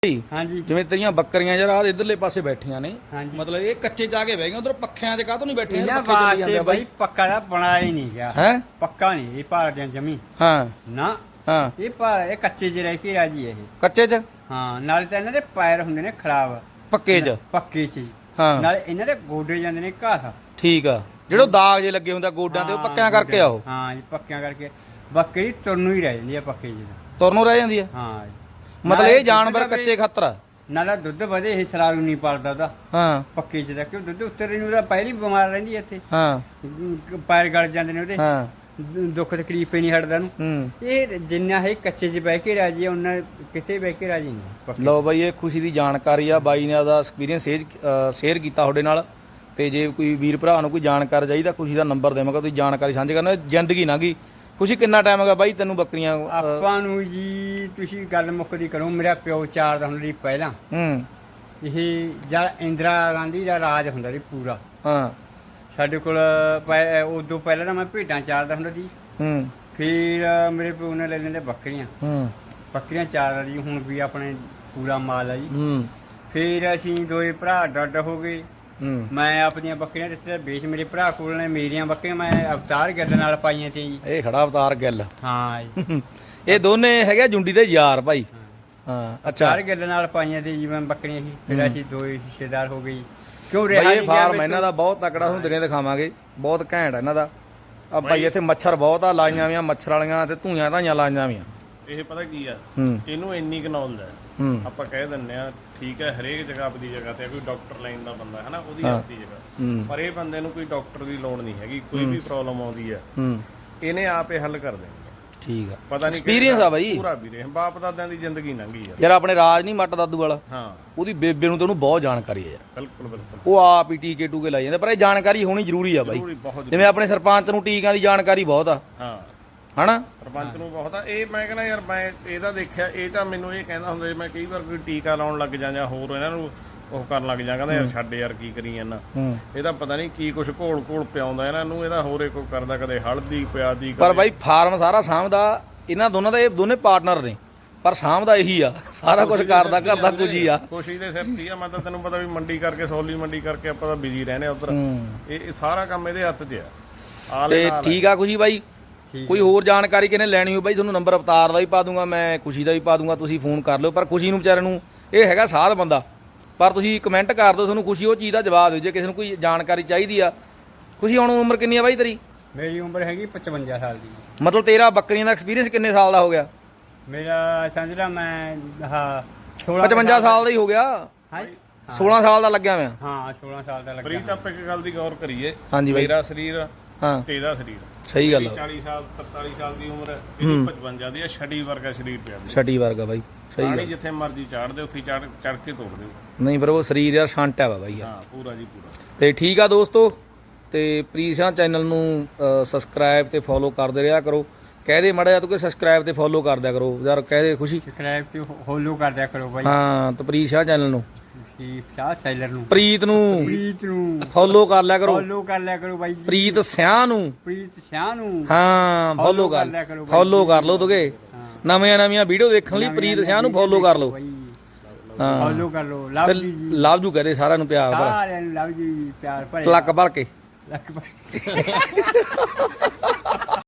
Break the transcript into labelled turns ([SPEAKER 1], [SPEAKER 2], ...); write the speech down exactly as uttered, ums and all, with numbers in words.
[SPEAKER 1] हाँ जी
[SPEAKER 2] जिवें तेरियां बकरियां यार आ इधरले पासे बैठियां ने
[SPEAKER 1] हाँ जी।
[SPEAKER 2] मतलब ये कच्चे च आके बह गए उधर पक्खियां च काहतों नहीं बैठे हैं
[SPEAKER 1] इन्हें
[SPEAKER 2] पक्खे चली
[SPEAKER 1] वास्ते
[SPEAKER 2] जांदे आ
[SPEAKER 1] भाई पक्का दा बनाया ही नहीं गया
[SPEAKER 2] हैं
[SPEAKER 1] पक्का नहीं ये पहाड़ दियां जमी
[SPEAKER 2] हां
[SPEAKER 1] ना
[SPEAKER 2] हां
[SPEAKER 1] ये पहाड़ ये कच्चे च रह के राजी है ये
[SPEAKER 2] ਕੱਚੇ ਚ
[SPEAKER 1] ਹਾਂ ਨਾਲੇ ਤਾਂ ਇਹਨਾਂ ਦੇ ਪੈਰ ਹੁੰਦੇ ਨੇ ਖਰਾਬ
[SPEAKER 2] ਪੱਕੇ ਚ
[SPEAKER 1] ਪੱਕੇ ਸੀ
[SPEAKER 2] ਹਾਂ
[SPEAKER 1] ਨਾਲੇ ਇਹਨਾਂ ਦੇ ਗੋਡੇ ਜਾਂਦੇ ਨੇ ਘਾਹ
[SPEAKER 2] ਠੀਕ ਆ ਜਿਹੜੇ ਦਾਗ ਜੇ ਲੱਗੇ ਹੁੰਦੇ ਆ ਗੋਡਿਆਂ ਤੇ ਉਹ ਪੱਕਿਆਂ ਕਰਕੇ ਆ ਉਹ
[SPEAKER 1] ਹਾਂ ਜੀ ਪੱਕਿਆਂ ਕਰਕੇ ਬੱਕਰੀ ਤੁਰਨ ਨੂੰ ਹੀ ਰਹਿ ਜਾਂਦੀ ਆ ਪੱਕੇ ਜੀ
[SPEAKER 2] ਤੁਰਨ ਨੂੰ ਰਹਿ ਜਾਂਦੀ ਆ
[SPEAKER 1] ਹਾਂ
[SPEAKER 2] ਮਤਲਬ ਇਹ ਜਾਨਵਰ ਕੱਚੇ ਖਾਤਰ ਆ
[SPEAKER 1] ਨਾਲੇ ਦੁੱਧ ਵਧੇ ਇਹ ਸਲਾਰੂ ਨਹੀਂ ਪਾਲਦਾ ਉਹਦਾ
[SPEAKER 2] ਹਾਂ
[SPEAKER 1] ਪੱਕੇ ਚ ਦਾ ਕਿਉਂ ਦੁੱਧ ਉੱਤਰ ਨੂੰ ਉਹਦਾ ਪਹਿਲੀ ਬਿਮਾਰ ਰਹਿੰਦੀ ਇੱਥੇ
[SPEAKER 2] ਹਾਂ
[SPEAKER 1] ਪੈਰ ਗਲ ਜਾਂਦੇ ਨੇ ਉਹਦੇ
[SPEAKER 2] ਹਾਂ
[SPEAKER 1] ਦੁੱਖ ਤਕਲੀਫ ਹੀ ਨਹੀਂ ਹਟਦਾ ਨੂੰ
[SPEAKER 2] ਹੂੰ
[SPEAKER 1] ਇਹ ਜਿੰਨਾ ਹੈ ਕੱਚੇ 'ਚ ਬਹਿ ਕੇ ਰਾਜੀ ਆ ਉਹਨਾਂ ਕਿਤੇ ਬਹਿ ਕੇ ਰਾਜੀ ਨਹੀਂ ਪੱਕੇ।
[SPEAKER 2] ਲਓ ਬਾਈ ਇਹ ਖੁਸ਼ੀ ਦੀ ਜਾਣਕਾਰੀ ਆ ਬਾਈ ਨੇ ਆਦਾ ਐਕਸਪੀਰੀਅੰਸ ਸ਼ੇਅਰ ਕੀਤਾ ਤੁਹਾਡੇ ਨਾਲ ਤੇ ਜੇ ਕੋਈ ਵੀਰ ਭਰਾ ਨੂੰ ਕੋਈ ਜਾਣਕਾਰੀ ਚਾਹੀਦਾ ਖੁਸ਼ੀ ਦਾ ਨੰਬਰ ਦੇਵਾਂਗਾ ਤੁਸੀਂ ਜਾਣਕਾਰੀ ਸਾਂਝੀ ਕਰਨਾ ਜ਼ਿੰਦਗੀ ਨਾ ਗਈ ਖੁਸ਼ੀ ਕਿੰਨਾ ਟਾਈਮ ਹੈਗਾ ਬਾਈ ਤੈਨੂੰ ਬੱਕਰੀਆਂ
[SPEAKER 1] ਆਪਾਂ ਨੂੰ ਜੀ ਤੁਸੀਂ ਗੱਲ ਮੁੱਕਦੀ ਕਰੋ ਮੇਰਾ ਪਿਓ ਚਾਰ ਦਾ ਹੁੰਦਾ ਸੀ ਪਹਿਲਾਂ
[SPEAKER 2] ਹੂੰ
[SPEAKER 1] ਇਹ ਜਦ ਇੰਦਰਾ ਗਾਂਧੀ ਦਾ ਰਾਜ ਹੁੰਦਾ ਸੀ ਪੂਰਾ
[SPEAKER 2] ਹਾਂ
[SPEAKER 1] ਸਾਡੇ ਕੋਲ ਉਦੋਂ ਪਹਿਲਾਂ ਤਾਂ ਮੈਂ ਭੇਡਾਂ ਚਾਰਦਾ ਹੁੰਦਾ ਸੀ
[SPEAKER 2] ਹੂੰ
[SPEAKER 1] ਫਿਰ ਮੇਰੇ ਪਿਓ ਨੇ ਲੈ ਲੈਂਦੇ ਬੱਕਰੀਆਂ
[SPEAKER 2] ਹੂੰ
[SPEAKER 1] ਬੱਕਰੀਆਂ ਚਾਰਦਾ ਜੀ ਹੁਣ ਵੀ ਆਪਣੇ ਪੂਰਾ ਮਾਲ ਆ ਜੀ
[SPEAKER 2] ਹੂੰ
[SPEAKER 1] ਫਿਰ ਅਸੀਂ ਦੋਏ ਭਰਾ ਡੱਡ ਹੋ ਗਏ
[SPEAKER 2] ਹੂੰ
[SPEAKER 1] ਮੈਂ ਆਪਣੀਆਂ ਬੱਕਰੀਆਂ ਰਿਸ਼ਤੇ ਵੇਚ ਮੇਰੇ ਭਰਾ ਕੋਲ ਨੇ ਮੇਰੀਆਂ ਬੱਕਰੀਆਂ ਮੈਂ ਅਵਤਾਰ ਗੱਲ ਨਾਲ ਪਾਈਆਂ ਤੇ ਜੀ
[SPEAKER 2] ਇਹ ਖੜਾ ਅਵਤਾਰ ਗਿੱਲ
[SPEAKER 1] ਹਾਂ ਜੀ
[SPEAKER 2] ਇਹ ਦੋਨੇ ਹੈਗੇ ਜੁੰਡੀ ਦੇ ਯਾਰ ਭਾਈ ਹਾਂ ਅੱਛਾ
[SPEAKER 1] ਅਵਤਾਰ ਗੱਲ ਨਾਲ ਪਾਈਆਂ ਤੇ ਜੀ ਮੈਂ ਬੱਕਰੀਆਂ ਸੀ ਫਿਰ ਅਸੀਂ ਦੋਏ ਹਿੱਸੇਦਾਰ ਹੋ ਗਏ ਕਿਉਂ
[SPEAKER 2] ਭਾਈ
[SPEAKER 1] ਰਿਹਾ
[SPEAKER 2] ਇਹ ਫਾਰਮ ਇਹਨਾਂ ਦਾ ਬਹੁਤ ਤਕੜਾ ਤੁਹਾਨੂੰ ਦਿਨੇ ਦਿਖਾਵਾਂਗੇ ਬਹੁਤ ਘੈਂਟ ਇਹਨਾਂ ਦਾ ਆ ਭਾਈ ਇੱਥੇ ਮੱਛਰ ਬਹੁਤ ਆ ਲਾਈਆਂ ਵੀਆਂ ਮੱਛਰ ਵਾਲੀਆਂ ਤੇ ਧੂਆਂ ਧਾਈਆਂ ਲਾਈਆਂ ਵੀਆਂ
[SPEAKER 3] ਇਹ ਪਤਾ ਕੀ ਆ
[SPEAKER 2] ਹੂੰ
[SPEAKER 3] ਇਹਨੂੰ ਇੰਨੀ ਕੁ ਨੌਲੇਜ ਹੈ
[SPEAKER 2] ਹੂੰ
[SPEAKER 3] ਆਪਾਂ ਕਹਿ ਦਿੰਨੇ ਆ ਠੀਕ ਹੈ ਹਰੇਕ ਜਗ੍ਹਾ ਆਪਣੀ ਜਗ੍ਹਾ ਤੇ ਕੋਈ ਡਾਕਟਰ ਲਾਈਨ ਦਾ ਬੰਦਾ ਹੈ ਨਾ ਉਹਦੀ ਆਪਣੀ ਜਗ੍ਹਾ
[SPEAKER 2] ਹੂੰ
[SPEAKER 3] ਪਰ ਇਹ ਬੰਦੇ ਨੂੰ ਕੋਈ ਡਾਕਟਰ ਦੀ ਲੋੜ ਨਹੀਂ ਹੈਗੀ ਕੋਈ ਵੀ ਪ੍ਰੋਬਲਮ ਆਉਂਦੀ ਹੈ
[SPEAKER 2] ਹੂੰ
[SPEAKER 3] ਇਹਨੇ ਆਪੇ ਹੱਲ ਕਰ ਦੇਣੀ
[SPEAKER 2] ਠੀਕ ਆ
[SPEAKER 3] ਪਤਾ ਨਹੀਂ
[SPEAKER 2] ਐਕਸਪੀਰੀਅੰਸ ਆ ਬਾਈ
[SPEAKER 3] ਪੂਰਾ ਵੀਰੇ ਬਾਪ ਦਾਦਿਆਂ ਦੀ ਜ਼ਿੰਦਗੀ ਲੰਘੀ ਆ
[SPEAKER 2] ਯਾਰ ਆਪਣੇ ਰਾਜ ਨਹੀਂ ਮੱਟ ਦਾਦੂ ਵਾਲਾ
[SPEAKER 3] ਹਾਂ
[SPEAKER 2] ਉਹਦੀ ਬੇਬੇ ਨੂੰ ਤੇ ਉਹਨੂੰ ਬਹੁਤ ਜਾਣਕਾਰੀ ਹੈ ਯਾਰ
[SPEAKER 3] ਬਿਲਕੁਲ ਬਿਲਕੁਲ
[SPEAKER 2] ਉਹ ਆਪ ਹੀ ਟੀਕੇ ਟੂਕੇ ਲਾਈ ਜਾਂਦੇ ਪਰ ਇਹ ਜਾਣਕਾਰੀ ਹੋਣੀ ਜ਼ਰੂਰੀ ਆ ਬਾਈ
[SPEAKER 3] ਪੂਰੀ ਬਹੁਤ
[SPEAKER 2] ਜਿਵੇਂ ਆਪਣੇ ਸਰਪੰਚ ਨੂੰ ਟੀਕਿਆਂ ਦੀ ਜਾਣਕਾਰੀ ਬਹੁਤ ਆ
[SPEAKER 3] ਹਾਂ
[SPEAKER 2] ਹਨਾ
[SPEAKER 3] ਸਰਪੰਚ ਨੂੰ ਬਹੁਤ ਆ ਇਹ ਮੈਂ ਕਹਿੰਦਾ ਯਾਰ ਮੈਂ ਇਹਦਾ ਦੇਖਿਆ ਇਹ ਤਾਂ ਮੈਨੂੰ ਇਹ ਕਹਿੰਦਾ ਹੁੰਦਾ ਮੈਂ ਕਈ ਵਾਰ ਕੋਈ ਟੀਕਾ ਲਾਉਣ ਲੱਗ ਜਾਂ ਜਾਂ ਹੋਰ ਇਹਨਾਂ ਨੂੰ ਉਹ ਕਰਨ ਲੱਗ ਜਾਂ ਕਹਿੰਦਾ ਯਾਰ ਛੱਡ ਯਾਰ ਕੀ ਕਰੀ ਜਾਂਦਾ
[SPEAKER 2] ਹੂੰ
[SPEAKER 3] ਇਹਦਾ ਪਤਾ ਨਹੀਂ ਕੀ ਕੁਛ ਘੋਲ ਘੋਲ ਪਿਆਉਂਦਾ ਇਹਨਾਂ ਨੂੰ ਇਹਦਾ ਹੋਰੇ ਕੋਈ ਕਰਦਾ ਕਦੇ ਹਲਦੀ ਪਿਆਦੀ
[SPEAKER 2] ਪਰ ਬਾਈ ਫਾਰਮ ਸਾਰਾ ਸਾਂਭਦਾ ਇਹਨਾਂ ਦੋਨਾਂ ਦਾ ਇਹ ਦੋਨੇ ਪਾਰਟਨਰ ਨੇ ਪਰ ਸਾਂਭਦਾ ਇਹੀ ਆ ਸਾਰਾ ਕੁਝ ਕਰਦਾ ਘਰ ਦਾ ਕੁਝ ਹੀ ਆ
[SPEAKER 3] ਕੋਸ਼ਿਸ਼ ਦੇ ਸਿਰ ਤੇ ਆ ਮੈਂ ਤਾਂ ਤੈਨੂੰ ਪਤਾ ਵੀ ਮੰਡੀ ਕਰਕੇ ਸੌਲੀ ਮੰਡੀ ਕਰਕੇ ਆਪਾਂ ਤਾਂ ਬਿਜ਼ੀ ਰਹਿੰਦੇ ਆ ਉਧਰ ਇਹ ਇਹ ਸਾਰਾ ਕੰਮ ਇਹਦੇ ਹੱਥ 'ਚ ਆ ਆਲੇ
[SPEAKER 2] ਤੇ
[SPEAKER 3] ਨਾਲ
[SPEAKER 2] ਠੀਕ ਆ ਖੁਸ਼ੀ ਬਾਈ ਕੋਈ ਹੋਰ ਜਾਣਕਾਰੀ ਕਿਨੇ ਲੈਣੀ ਹੋ ਬਾਈ ਤੁਹਾਨੂੰ ਨੰਬਰ ਅਵਤਾਰ ਦਾ ਵੀ ਪਾ ਦੂੰਗਾ ਮੈਂ ਖੁਸ਼ੀ ਦਾ ਵੀ ਪਾ ਦੂੰਗਾ ਤੁਸੀਂ ਫੋਨ ਕਰ ਲਿਓ ਪਰ ਖੁਸ਼ੀ ਨੂੰ ਵਿਚਾਰੇ ਨੂੰ ਇਹ ਹੈਗਾ ਸਾਧ ਬੰਦਾ ਪਰ ਤੁਸੀਂ ਕਮੈਂਟ ਕਰ ਦਿਓ ਤੁਹਾਨੂੰ ਖੁਸ਼ੀ ਉਹ ਚੀਜ਼ ਦਾ ਜਵਾਬ ਦਿਓ ਜੇ ਕਿਸੇ ਨੂੰ ਕੋਈ ਜਾਣਕਾਰੀ ਚਾਹੀਦੀ ਆ ਖੁਸ਼ੀ ਹੁਣ ਉਮਰ ਕਿੰਨੀ ਆ ਬਾਈ ਤੇਰੀ
[SPEAKER 1] ਮੇਰੀ ਉਮਰ ਹੈਗੀ ਪਚਵੰਜਾ ਸਾਲ ਦੀ
[SPEAKER 2] ਮਤਲਬ ਤੇਰਾ ਬੱਕਰੀਆਂ ਦਾ ਐਕਸਪੀਰੀਅੰਸ ਕਿੰਨੇ ਸਾਲ ਦਾ ਹੋ ਗਿਆ
[SPEAKER 1] ਮੇਰਾ ਸਮਝ ਲਾ ਮੈਂ ਹਾਂ ਸੋਲਾਂ
[SPEAKER 2] ਪਚਵੰਜਾ ਸਾਲ ਦਾ ਹੀ ਹੋ ਗਿਆ
[SPEAKER 1] ਹਾਂ
[SPEAKER 2] ਸੋਲਾਂ ਸਾਲ ਦਾ ਲੱਗਿਆ ਮੈਂ
[SPEAKER 1] ਹਾਂ ਸੋਲਾਂ ਸਾਲ ਦਾ ਲੱਗਿਆ
[SPEAKER 3] ਪ੍ਰੀਤ ਆਪਾਂ ਇੱਕ ਗੱਲ ਦੀ ਗੌਰ ਕਰੀਏ
[SPEAKER 2] ਹਾਂਜੀ ਬਾਈ
[SPEAKER 3] ਮੇਰਾ ਸਰੀਰ
[SPEAKER 2] ਹਾਂ
[SPEAKER 3] ਤੇ ਇਹਦਾ ਸਰੀਰ
[SPEAKER 2] ਸਹੀ ਗੱਲ ਆ
[SPEAKER 3] ਚਾਲੀ ਸਾਲ ਤਰਤਾਲੀ ਸਾਲ ਦੀ ਉਮਰ ਇਹਦੀ ਪਚਵੰਜਾ ਦੀ ਆ ਛੜੀ ਵਰਗਾ ਸਰੀਰ ਪਿਆ ਦੀ
[SPEAKER 2] ਛਟੀ ਵਰਗਾ ਬਾਈ ਸਹੀ
[SPEAKER 3] ਪਾਣੀ
[SPEAKER 2] ਗੱਲ
[SPEAKER 3] ਜਿੱਥੇ ਮਰਜੀ ਚਾੜਦੇ ਉੱਥੇ ਚੜ ਚੜ ਕੇ ਤੋੜ ਦਿਓ
[SPEAKER 2] ਨਹੀਂ ਪਰ ਉਹ ਸਰੀਰ ਯਾਰ ਛਾਂਟਿਆ ਵਾ ਬਾਈ ਯਾਰ
[SPEAKER 3] ਹਾਂ ਪੂਰਾ ਜੀ ਪੂਰਾ
[SPEAKER 2] ਤੇ ਠੀਕ ਆ ਦੋਸਤੋ ਤੇ ਪ੍ਰੀਸ਼ਾ ਚੈਨਲ ਨੂੰ ਸਬਸਕ੍ਰਾਈਬ ਤੇ ਫੋਲੋ ਕਰਦੇ ਰਿਹਾ ਕਰੋ ਕਹਦੇ ਮੜਾ ਜਾ ਤੂੰ ਕਿ ਸਬਸਕ੍ਰਾਈਬ ਤੇ ਫੋਲੋ ਕਰ ਦਿਆ ਕਰੋ ਯਾਰ ਕਹਦੇ ਖੁਸ਼ੀ
[SPEAKER 1] ਸਬਸਕ੍ਰਾਈਬ ਤੇ ਫੋਲੋ ਕਰ ਦਿਆ ਕਰੋ ਬਾਈ
[SPEAKER 2] ਹਾਂ ਤੇ ਪ੍ਰੀਸ਼ਾ ਚੈਨਲ ਨੂੰ
[SPEAKER 1] ਕੀ ਸ਼ਾਹ ਸੈਲਰ ਨੂੰ
[SPEAKER 2] ਪ੍ਰੀਤ ਨੂੰ
[SPEAKER 1] ਪ੍ਰੀਤ ਨੂੰ
[SPEAKER 2] ਫੋਲੋ ਕਰ ਲਿਆ ਕਰੋ
[SPEAKER 1] ਫੋਲੋ ਕਰ ਲਿਆ ਕਰੋ ਬਾਈ ਜੀ
[SPEAKER 2] ਪ੍ਰੀਤ ਸਿਆਹ ਨੂੰ
[SPEAKER 1] ਪ੍ਰੀਤ ਸ਼ਾਹ ਨੂੰ
[SPEAKER 2] ਹਾਂ ਫੋਲੋ ਕਰ
[SPEAKER 1] ਲਿਆ ਕਰੋ ਬਾਈ
[SPEAKER 2] ਫੋਲੋ ਕਰ ਲਓ ਤੁਗੇ ਨਵੀਆਂ ਨਵੀਆਂ ਵੀਡੀਓ ਦੇਖਣ ਲਈ ਪ੍ਰੀਤ ਸਿਆਹ ਨੂੰ ਫੋਲੋ ਕਰ ਲਓ ਹਾਂ
[SPEAKER 1] ਫੋਲੋ ਕਰ ਲਓ ਲਵ ਜੀ ਜੀ
[SPEAKER 2] ਲਵ ਜੂ ਕਹਦੇ ਸਾਰਿਆਂ ਨੂੰ ਪਿਆਰ ਭਰਾ
[SPEAKER 1] ਸਾਰਿਆਂ ਨੂੰ ਲਵ ਜੀ ਪਿਆਰ ਭਰੇ
[SPEAKER 2] ਲੱਕ ਭਰ ਕੇ
[SPEAKER 1] ਲੱਕ ਭਰ ਕੇ